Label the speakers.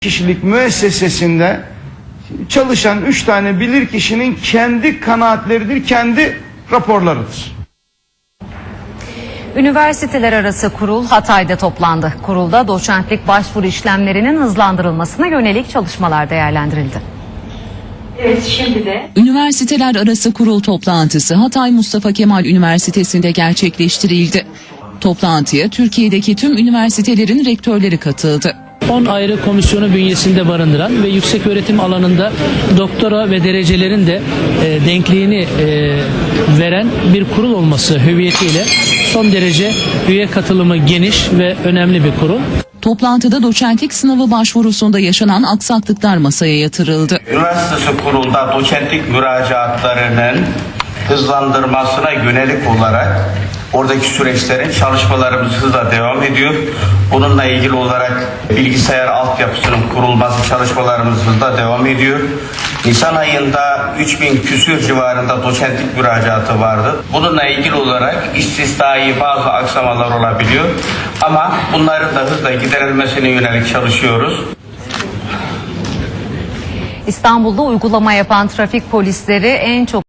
Speaker 1: kişilik müessesesinde çalışan 3 tane bilirkişinin kendi kanaatleridir, kendi raporlarıdır.
Speaker 2: Üniversiteler arası kurul Hatay'da toplandı. Kurulda doçentlik başvuru işlemlerinin hızlandırılmasına yönelik çalışmalar değerlendirildi.
Speaker 3: Evet, şimdi de
Speaker 4: Üniversiteler arası kurul toplantısı Hatay Mustafa Kemal Üniversitesi'nde gerçekleştirildi. Toplantıya Türkiye'deki tüm üniversitelerin rektörleri katıldı.
Speaker 5: 10 ayrı komisyonu bünyesinde barındıran ve yüksek öğretim alanında doktora ve derecelerin de denkliğini veren bir kurul olması hüviyetiyle son derece üye katılımı geniş ve önemli bir kurul.
Speaker 4: Toplantıda doçentlik sınavı başvurusunda yaşanan aksaklıklar masaya yatırıldı.
Speaker 6: Üniversitesi kurulda doçentlik müracaatlarının hızlandırmasına yönelik olarak oradaki süreçlerin çalışmalarımız hızla devam ediyor. Bununla ilgili olarak bilgisayar altyapısının kurulması çalışmalarımız hızla devam ediyor. Nisan ayında 3000 küsür civarında doçentlik müracaatı vardı. Bununla ilgili olarak istisnai bazı aksamalar olabiliyor. Ama bunların da hızla giderilmesine yönelik çalışıyoruz.
Speaker 2: İstanbul'da uygulama yapan trafik polisleri en çok